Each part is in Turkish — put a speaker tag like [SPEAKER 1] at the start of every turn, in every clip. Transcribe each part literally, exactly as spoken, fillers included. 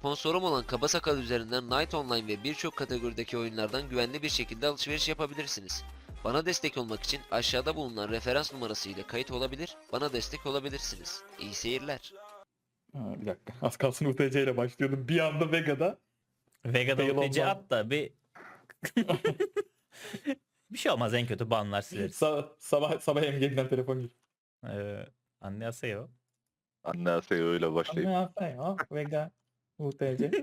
[SPEAKER 1] Sponsorum olan Kaba Sakal üzerinden Night Online ve birçok kategorideki oyunlardan güvenli bir şekilde alışveriş yapabilirsiniz. Bana destek olmak için aşağıda bulunan referans numarası ile kayıt olabilir, bana destek olabilirsiniz. İyi seyirler.
[SPEAKER 2] Ha, bir dakika. Az kalsın U T C ile başlıyordum. Bir anda Vega'da.
[SPEAKER 3] Vega'da
[SPEAKER 2] Fail
[SPEAKER 3] U T C
[SPEAKER 2] olmaz.
[SPEAKER 3] at da bir bir şey olmaz, en kötü banlar sileriz.
[SPEAKER 2] Sa sabah sabah emniyetinden telefon geliyor.
[SPEAKER 3] Ee, Annyeonghaseyo.
[SPEAKER 4] Annyeonghaseyo öyle başlayıp.
[SPEAKER 2] Ne yapayım ya? Vega U T C.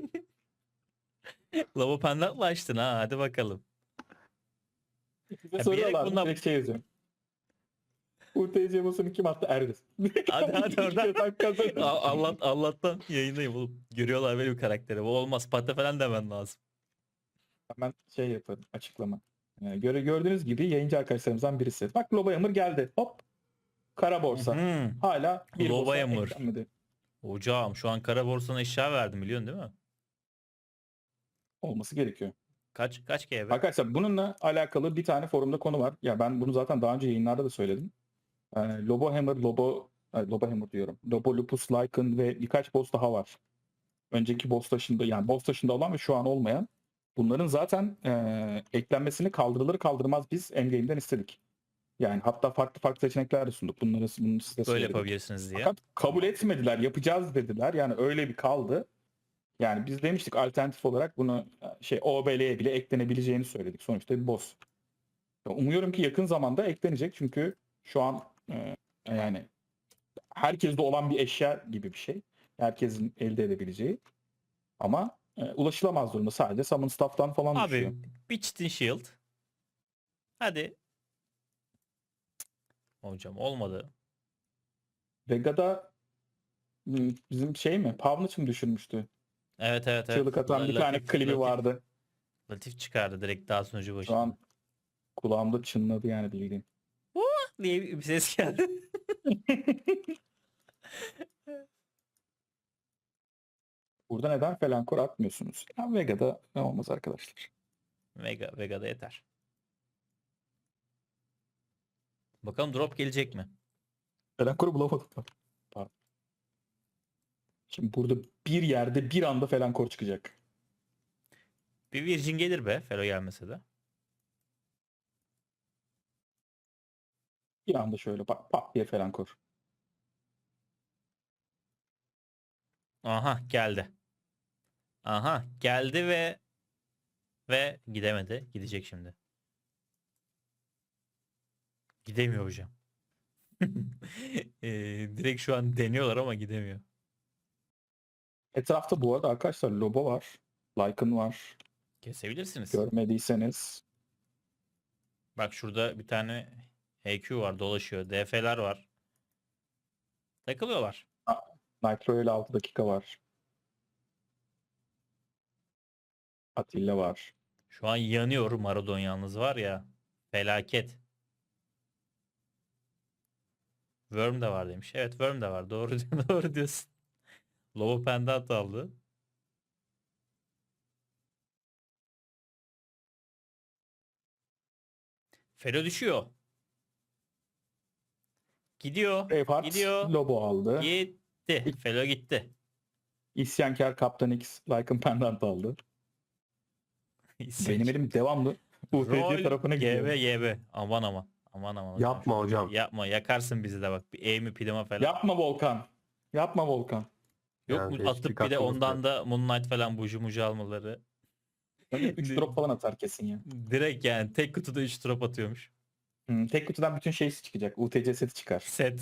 [SPEAKER 3] Lavo pendantla açtın ha, hadi bakalım.
[SPEAKER 2] Bize
[SPEAKER 3] Ya
[SPEAKER 2] soruyorlar.
[SPEAKER 3] bilerek bundan-
[SPEAKER 2] Direkt şey yazıyorum. U T C basını kim attı? Erdiz.
[SPEAKER 3] Hadi hadi oradan.
[SPEAKER 2] Sen kazandın.
[SPEAKER 3] A- Allah Allah'tan yayındayım oğlum. Görüyorlar benim karakteri. Bu olmaz. Pate falan demen lazım.
[SPEAKER 2] Hemen şey yaparım. Açıklama. Yani göre gördüğünüz gibi yayıncı arkadaşlarımızdan birisi. Bak Loba Yamır geldi. Hop. Kara borsa.
[SPEAKER 3] Hı.
[SPEAKER 2] Hala bir
[SPEAKER 3] Loba
[SPEAKER 2] borsa
[SPEAKER 3] Yamır.
[SPEAKER 2] eklenmedi.
[SPEAKER 3] Hocam şu an kara borsana eşya verdim, biliyorsun değil mi?
[SPEAKER 2] Olması gerekiyor.
[SPEAKER 3] Kaç kaç G B?
[SPEAKER 2] Arkadaşlar bununla alakalı bir tane forumda konu var. Ya ben bunu zaten daha önce yayınlarda da söyledim. Yani Lobo Hammer, Lobo, ay, Lobo Hammer diyorum. Lobo Lupus, Lycan ve birkaç boss daha var. Önceki boss taşında, yani boss taşında olan ve şu an olmayan. Bunların zaten e, eklenmesini kaldırılır kaldırmaz biz Endgame'den istedik. Yani hatta farklı farklı seçenekler de sunduk. Bunları, bunu size
[SPEAKER 3] Böyle
[SPEAKER 2] söyledik.
[SPEAKER 3] yapabilirsiniz diye.
[SPEAKER 2] Fakat kabul etmediler, yapacağız dediler. Yani öyle bir kaldı. Yani biz demiştik alternatif olarak bunu şey O B L'ye bile eklenebileceğini söyledik. Sonuçta bir boss. Umuyorum ki yakın zamanda eklenecek çünkü şu an e, yani herkeste olan bir eşya gibi bir şey. Herkesin elde edebileceği. Ama e, ulaşılamaz durumda. Sadece summon staff'tan falan düşüyor.
[SPEAKER 3] Abi bir çitin shield. Hadi. Hocam olmadı.
[SPEAKER 2] Vega'da m, bizim şey mi? Pavnic mi düşürmüştü?
[SPEAKER 3] Evet evet evet.
[SPEAKER 2] Çığlık atan bir
[SPEAKER 3] Latif-
[SPEAKER 2] tane klibi
[SPEAKER 3] Latif-
[SPEAKER 2] vardı.
[SPEAKER 3] Latif çıkardı direkt daha sunucu
[SPEAKER 2] Şu
[SPEAKER 3] başında.
[SPEAKER 2] an kulağımda çınladı yani bildiğin.
[SPEAKER 3] diye bir ses geldi.
[SPEAKER 2] Burada neden Felankor atmıyorsunuz? Ya Vega'da olmaz arkadaşlar.
[SPEAKER 3] Vega, Vega'da yeter. Bakalım drop gelecek mi?
[SPEAKER 2] Felankor'u bulamadık. Pardon. Şimdi burada bir yerde bir anda Felankor çıkacak.
[SPEAKER 3] Bir Virgin gelir be, Fero gelmese de.
[SPEAKER 2] Bir anda şöyle bak pat diye Felankor.
[SPEAKER 3] Aha geldi. Aha geldi ve ve gidemedi. Gidecek şimdi. Gidemiyor hocam. Eee, direkt şu an deniyorlar ama gidemiyor.
[SPEAKER 2] Etrafta bu arada arkadaşlar Lobo var. Lycan var.
[SPEAKER 3] Kesebilirsiniz.
[SPEAKER 2] Görmediyseniz.
[SPEAKER 3] Bak şurada bir tane H Q var, dolaşıyor. D F'ler var. Takılıyorlar.
[SPEAKER 2] Nitro ile altı dakika var. Atilla var.
[SPEAKER 3] Şu an yanıyor Maradon yalnız var ya. Felaket. Worm de var demiş. Evet Worm de var. Doğru doğru diyorsun. Lobo pendant aldı. Fero düşüyor. Gidiyor.
[SPEAKER 2] Braveheart
[SPEAKER 3] Gidiyor.
[SPEAKER 2] Lobo aldı.
[SPEAKER 3] Gitti. Fero gitti.
[SPEAKER 2] İsyankar Kaptan X Lycan Pendant aldı. Benim elim devamlı U T C tarafına
[SPEAKER 3] G
[SPEAKER 2] gidiyor.
[SPEAKER 3] B G B. Aman aman. Aman aman.
[SPEAKER 4] Yapma hocam.
[SPEAKER 3] Yapma. Yakarsın bizi de bak. Bir aim'i plama falan.
[SPEAKER 2] Yapma Volkan. Yapma Volkan.
[SPEAKER 3] Yok
[SPEAKER 4] Yani
[SPEAKER 3] mu
[SPEAKER 4] değişik
[SPEAKER 3] atıp
[SPEAKER 4] bir
[SPEAKER 3] bir de
[SPEAKER 4] katkımız
[SPEAKER 3] ondan
[SPEAKER 4] yok.
[SPEAKER 3] da Moonlight falan buju muju almaları.
[SPEAKER 2] üç drop falan atar kesin ya.
[SPEAKER 3] Direkt yani tek kutuda üç drop atıyormuş.
[SPEAKER 2] Hmm, tek kutudan bütün şeysi çıkacak. U T C seti çıkar.
[SPEAKER 3] Set.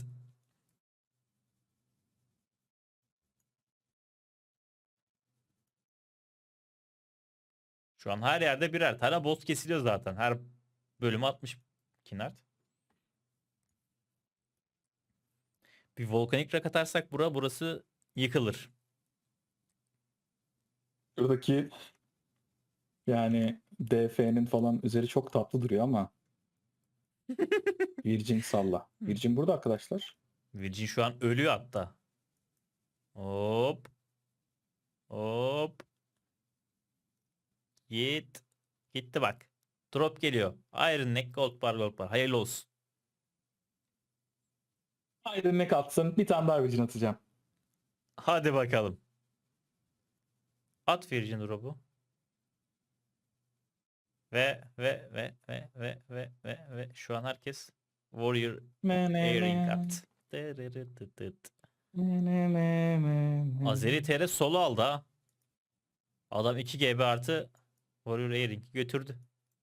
[SPEAKER 3] Şu an her yerde birer tane boss kesiliyor zaten. Her bölüm atmış Kinart. Bir volkanik rak atarsak bura burası yıkılır.
[SPEAKER 2] Buradaki yani D F'nin falan üzeri çok tatlı duruyor ama Virgin salla. Virgin burada arkadaşlar.
[SPEAKER 3] Virgin şu an ölüyor hatta. Hop. Hop. Git. Gitti bak. Drop geliyor. Iron Neck Gold Bar Gold Bar. Hayırlı olsun.
[SPEAKER 2] Haydi ne katsın. Bir tane daha Virgin atacağım.
[SPEAKER 3] Hadi bakalım. At Virgin drop'u. Ve ve ve ve ve ve ve ve şu an herkes Warrior Airing attı. Dırırırırırt. Azeri T R solo aldı ha. Adam iki G B artı Warrior Airing'i götürdü.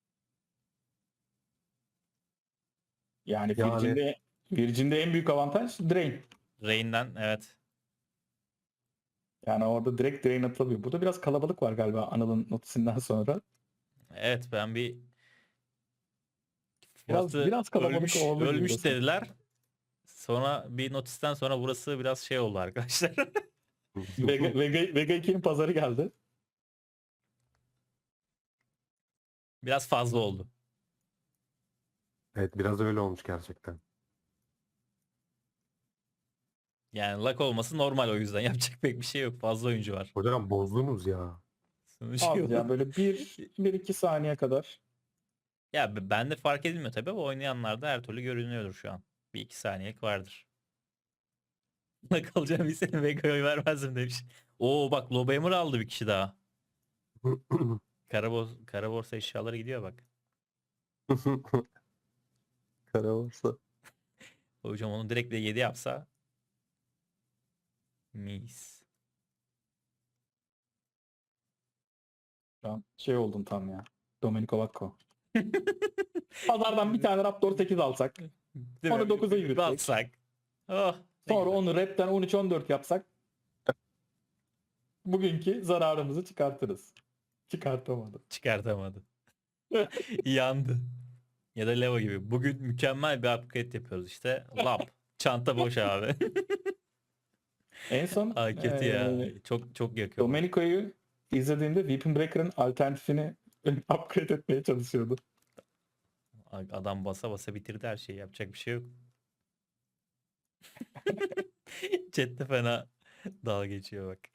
[SPEAKER 2] Yani
[SPEAKER 5] Yani-
[SPEAKER 2] Virgin'de, Virgin'de en büyük avantaj Drain.
[SPEAKER 3] Rain'den evet.
[SPEAKER 2] Yani orada direkt Drain atılıyor. Burada biraz kalabalık var galiba Anıl'ın notisinden sonra.
[SPEAKER 3] Evet ben bir
[SPEAKER 2] Biraz-
[SPEAKER 3] burası
[SPEAKER 2] biraz kalabalık
[SPEAKER 3] ölmüş,
[SPEAKER 2] oldu gibi
[SPEAKER 3] ölmüş
[SPEAKER 2] burası.
[SPEAKER 3] dediler. Sonra bir notisten sonra burası biraz şey oldu arkadaşlar.
[SPEAKER 2] Vega, Vega, Vega ikinin pazarı geldi.
[SPEAKER 3] Biraz fazla oldu.
[SPEAKER 5] Evet biraz öyle olmuş gerçekten.
[SPEAKER 3] Yani luck olması normal, o yüzden yapacak pek bir şey yok. Fazla oyuncu var.
[SPEAKER 5] Hocam bozdunuz ya.
[SPEAKER 3] Sonucu
[SPEAKER 2] Az
[SPEAKER 3] yok.
[SPEAKER 2] ya böyle bir, bir iki saniye kadar.
[SPEAKER 3] Ya b- bende fark edilmiyor tabii ama oynayanlarda her türlü görünüyordur şu an. Bir iki saniyelik vardır. Luck alacağım bir sene Vega'ya oy vermezdim demiş. Oo bak Lobhammer aldı bir kişi daha. Kara, kara borsa eşyaları gidiyor bak.
[SPEAKER 5] Kara borsa.
[SPEAKER 3] Hocam onu direkt de yedi yapsa. Mis.
[SPEAKER 2] Şu an şey oldun tam ya. Domenico Vacco. Pazardan bir tane Raptor sekiz alsak.
[SPEAKER 3] Değil
[SPEAKER 2] Onu
[SPEAKER 3] mi?
[SPEAKER 2] dokuza
[SPEAKER 3] Bir
[SPEAKER 2] yürütsek.
[SPEAKER 3] atsak. Oh, ne
[SPEAKER 2] Sonra
[SPEAKER 3] güzel.
[SPEAKER 2] onu Rap'ten on üç on dört yapsak. Bugünkü zararımızı çıkartırız. Çıkartamadı.
[SPEAKER 3] Çıkartamadı. Yandı. Ya da Leva gibi. Bugün mükemmel bir upgrade yapıyoruz işte. Lap. Çanta boş abi.
[SPEAKER 2] En son
[SPEAKER 3] Ay kötü ya.
[SPEAKER 2] eee,
[SPEAKER 3] Çok çok yakıyor.
[SPEAKER 2] Domenico'yu izlediğimde Weapon Breaker'ın alternatifini upgrade etmeye çalışıyordu.
[SPEAKER 3] Adam basa basa bitirdi her şeyi. Yapacak bir şey yok. Chat'te fena dalga geçiyor bak.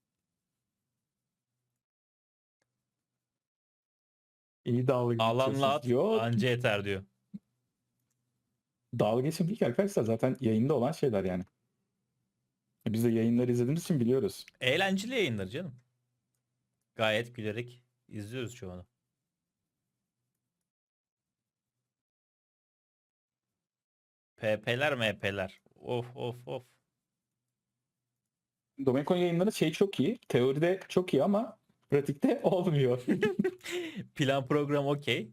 [SPEAKER 2] İyi dalga
[SPEAKER 3] Alanla
[SPEAKER 2] geçiyorsunuz.
[SPEAKER 3] at
[SPEAKER 2] Yok.
[SPEAKER 3] anca yeter diyor.
[SPEAKER 2] Dalga geçim değil ki arkadaşlar. Zaten yayında olan şeyler yani. Biz de yayınları izlediğimiz için biliyoruz.
[SPEAKER 3] Eğlenceli yayınlar canım. Gayet gülerek izliyoruz çoğunu. P P'ler M P'ler. Of of of.
[SPEAKER 2] Domenico'nun yayınları şey çok iyi. Teoride çok iyi ama pratikte olmuyor.
[SPEAKER 3] Plan program okey.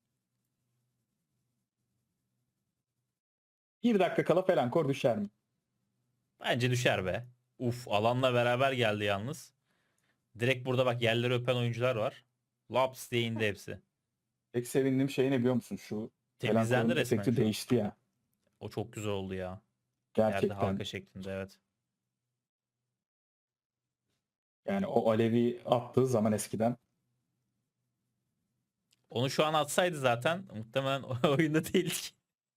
[SPEAKER 2] Bir dakika kala falan kor düşer mi?
[SPEAKER 3] Bence düşer be. Uf alanla beraber geldi yalnız. Direkt burada bak yerleri öpen oyuncular var. Laps diye indi hepsi.
[SPEAKER 2] Tek sevindiğim şey ne biliyor musun? Şu
[SPEAKER 3] Temizlendi
[SPEAKER 2] Felankor'un
[SPEAKER 3] resmen.
[SPEAKER 2] efekti
[SPEAKER 3] şu an.
[SPEAKER 2] değişti ya.
[SPEAKER 3] O çok güzel oldu ya. Yerde
[SPEAKER 2] Gerçekten.
[SPEAKER 3] halka şeklinde evet.
[SPEAKER 2] Yani o alevi attığı zaman eskiden.
[SPEAKER 3] Onu şu an atsaydı zaten muhtemelen oyunda değildik.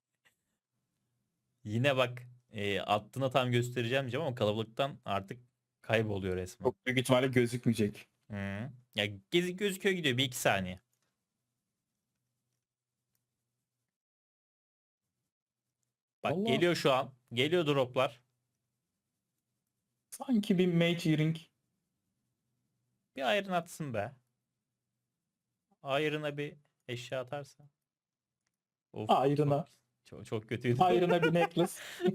[SPEAKER 3] Yine bak e, attığını tam göstereceğim diyeceğim ama kalabalıktan artık kayboluyor resmen.
[SPEAKER 2] Çok büyük ihtimalle gözükmeyecek.
[SPEAKER 3] Hı. Ya gezi gözüküyor gidiyor bir iki saniye. Bak
[SPEAKER 2] Vallahi-
[SPEAKER 3] geliyor şu an. Geliyor droplar.
[SPEAKER 2] Sanki bir Mage Earring.
[SPEAKER 3] Bir ayrın atsın be. Ayrına bir eşya atarsa. Of,
[SPEAKER 2] Ayrına.
[SPEAKER 3] Çok, çok, çok kötüydü.
[SPEAKER 2] Ayrına bir necklace.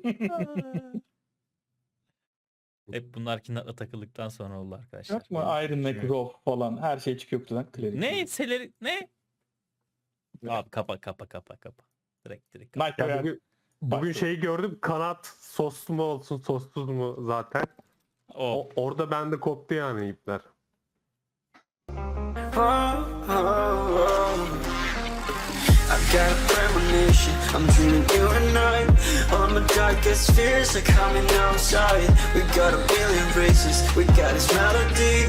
[SPEAKER 3] Hep bunlar kinatla takıldıktan sonra oldu arkadaşlar.
[SPEAKER 2] Yok mu? Iron Neck,
[SPEAKER 3] Şimdi-
[SPEAKER 2] Rogue falan her şey çıkıyor kutudan. Klerik.
[SPEAKER 3] Ne? Seleri ne? Abi kapa kapa kapa kapa. Direkt direkt. kapa.
[SPEAKER 2] Night
[SPEAKER 5] Ya
[SPEAKER 2] Royale
[SPEAKER 5] bugün, bugün
[SPEAKER 2] başladı.
[SPEAKER 5] şeyi gördüm, kanat soslu mu olsun sossuz mu zaten.
[SPEAKER 3] O.
[SPEAKER 5] O, orada bende koptu yani ipler.
[SPEAKER 6] Oh, oh, oh. I've got a premonition, I'm dreaming you and I. All my darkest fears are coming outside. We got a billion races, we got this melody.